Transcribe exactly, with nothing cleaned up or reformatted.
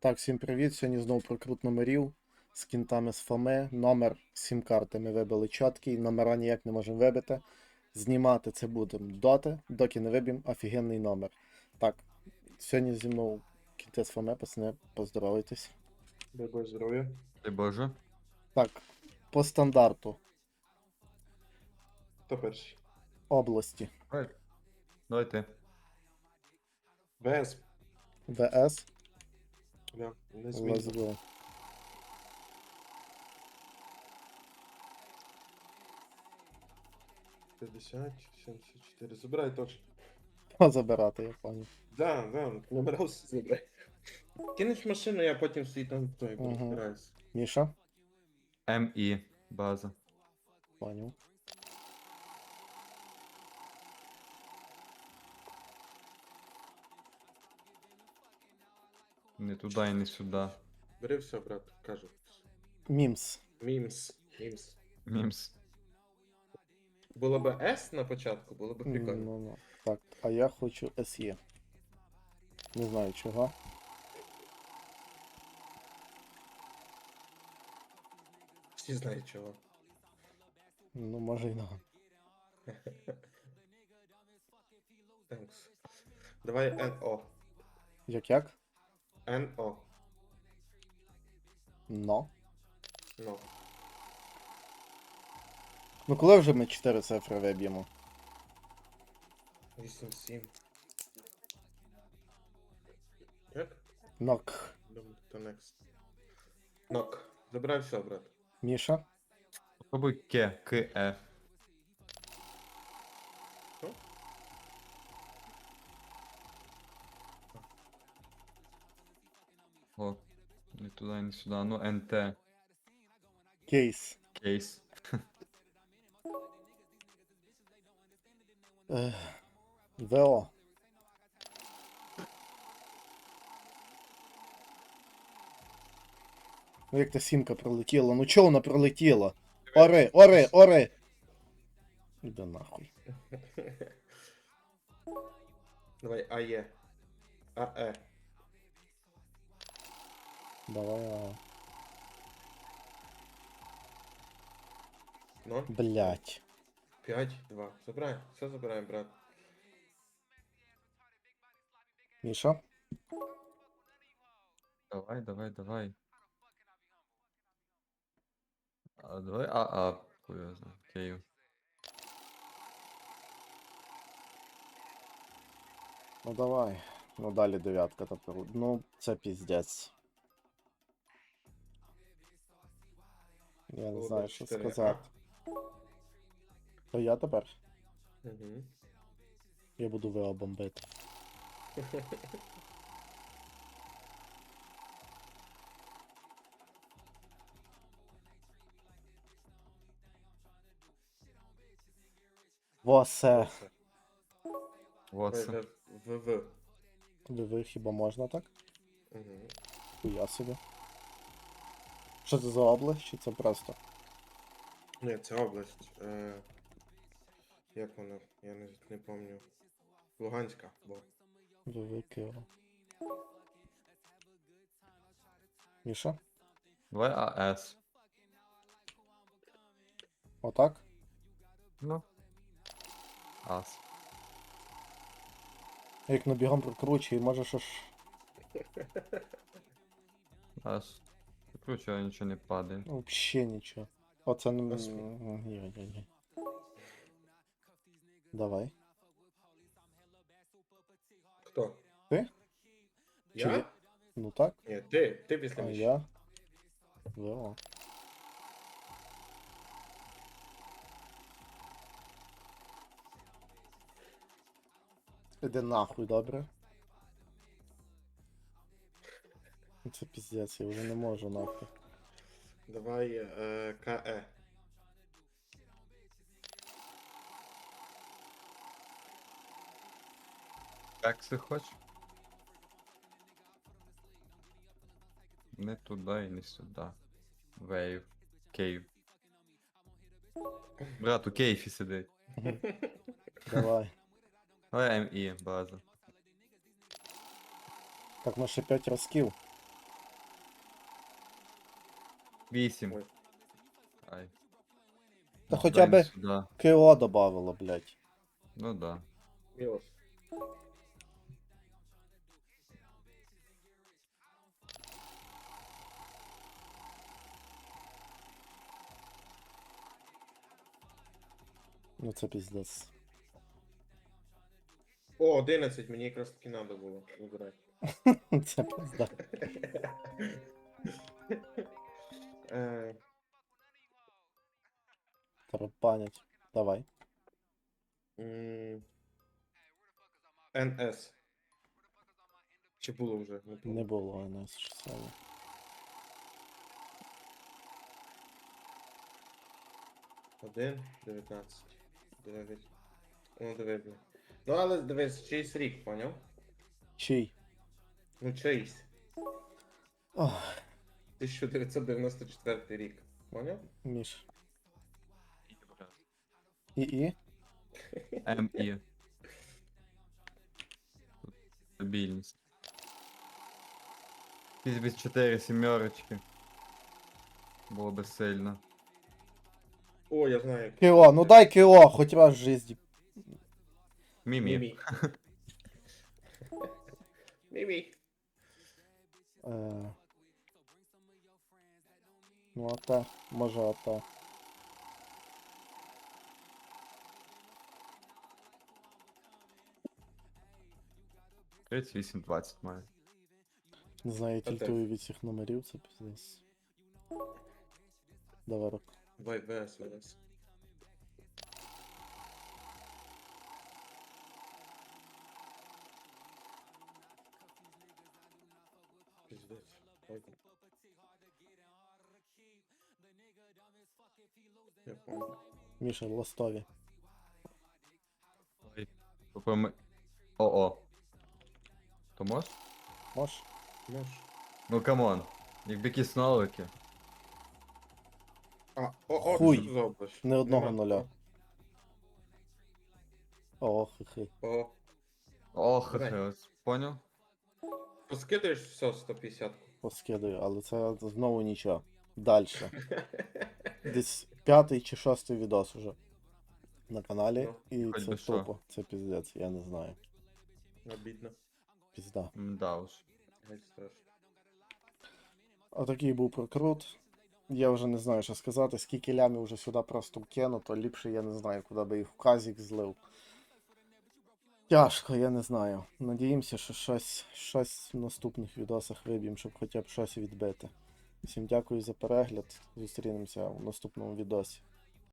Так, всім привіт. Сьогодні знову прокрут номерів з кінтами з Фоми. Номер сім-карти ми вибили чіткий, номера ніяк не можемо вибити. Знімати це будемо доти, доки не виб'ємо офігенний номер. Так, сьогодні зі мною кінти з Фоми, пацани, поздоровайтесь. Дай Боже здоров'я. Дай Боже. Так, по стандарту Хто перший? області Давай. Давай ти. ВС. ВС, Да, не let's змінно. go. п'ятдесят, сімдесят чотири. Забирай точно. Позабирати, я пані. Да, да, набирався, забирай. Кинеш машину, я потім свій там той Мгм. розбираюсь. Міша, МІ. База. паню. Не туди і не сюди. Бери все, брат, кажу. Мімс. Мімс. Мімс. Мімс. Було б С на початку, було б прикольно. Ну, ну. Так, а я хочу СЕ. Не знаю чого. Всі знають чого. Ну, може й на. Thanks. Давай Н О. Як як? Н О. Но. Ну. Ну коли вже ми чотири цифри виб'ємо? вісім сім. Як? Нок. Думаю, то next. Нок. Забирай все, брат. Міша. Попробуй К. К. Е. Що? О. Не туди і не сюди. Ну, Н Т. Кейс. Кейс. Ех. ВО. Ну як та сімка пролетіла? Ну чого вона пролетіла? Ори, ори, ори! Іди нахуй. Давай АЕ. АЕ. Давай, ага. ноль. Блять. п'ять, два. Забирай. Все забираємо, брат. Міша. Давай, давай, давай. А, давай А, А. Хуй його знає. Київ. Ну давай. Ну далі дев'ятка тепер. Ну, це піздець. Я не Було знаю, б що чотири, сказати. То я тепер? Угу. Я буду ВО бомбити. Восе. Вот це. ВВ. ВВ хіба можна так? Угу. Хуя собі. Що це за область, чи це просто? Ні, це область. Е... Як вона? Я не, не пам'ятаю. Луганська. Бо. ВВ Києва. Міша? Давай А С. Отак? Ну. Ас. Як набігом прокручує, може що ж. Ас. Короче, а нічого не падає. Вообще нічого. Оце не. Господи. Ні, ні, ні. Давай. Хто? Ти? Чи Я? ви? Ну так. Ні, ти. Ти після А Міші. я. ВО. Іди нахуй, добре? Це піздець, я вже не можу нахуй. Давай е, КЕ. Як си хочеш? Не туди і не сюди. Вейв. Київ. Брат, у Києві сидить. Давай. Давай МІ, база. Так, ну ще п'ять разків. Вісім. Ой. Ай. Та Ну, хоча дай не би сюди. КО добавило, блядь. Ну да. Мілош. Ну це піздець. О, одинадцять, мені якраз таки треба було вибирати. Це пизда. Е, Тарапанять. Давай. м, ен ес. Чи було вже? Не Не пам'ятаю. було у нас ще саме. один, дев'ятнадцять, дев'ять. Ну, диви, блін. Ну, але дивись, чийсь рік, поняв? Чий? Ну, чийсь. Ох, тисяча дев'ятсот дев'яносто четвертий рік. Поняв? Міш. І-і? М І. Стабільність. Візьміть чотири сімерочки. Було би сильно. О, я знаю. як. КО, ну дай КО, хоч раз в житті. Мімі. Мімі. Мімі. Е... Ну АТ, може АТ. тридцять вісім двадцять має. Не знаю, я АТ. тільтую від цих номерів, це піздець. Давай руку. Давай, ВС, ВС. Пиздец. Ой. Я понял. Міша, ластові. Ой. Попри... О-о. То мож? Мож? Можеш. Ну камон. Якби якісь нолики. А, о, о, Хуй. що ти за область? Не одного Нема. нуля. О, хи-хи. О, Ох, Давай. хе, ось, поняв? поскидаєш все сто п'ятдесят. Поскидаю, але це знову нічого. Дальше. Десь п'ятий чи шостий відос уже на каналі. Ну, І хоч це би що. тупо. Це піздець, я не знаю. Обідно. Пізда. Мда уж. Геть страшно. Отакий був прокрут. Я вже не знаю, що сказати, скільки лямів вже сюди просто вкинуто, ліпше я не знаю, куди би їх в казік злив. Тяжко, я не знаю. Надіємося, що щось, щось в наступних відосах виб'ємо, щоб хоча б щось відбити. Всім дякую за перегляд. Зустрінемося в наступному відосі.